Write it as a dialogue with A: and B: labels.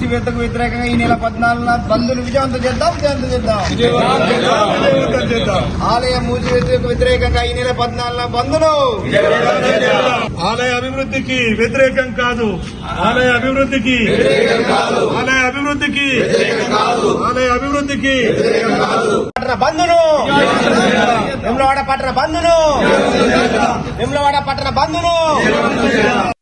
A: మూసివేతకు వ్యతిరేకంగా ఈ నెల 14న బంద్ను విజయవంతం చేద్దాం. ఆలయ మూసివేతకు వ్యతిరేకంగా ఈ నెల 14న బంద్ను
B: ఆలయ అభివృద్ధికి వ్యతిరేకం కాదు. ఆలయ అభివృద్ధికి
A: పట్టణ బంద్ను వేములవాడ పట్టణ బంద్ను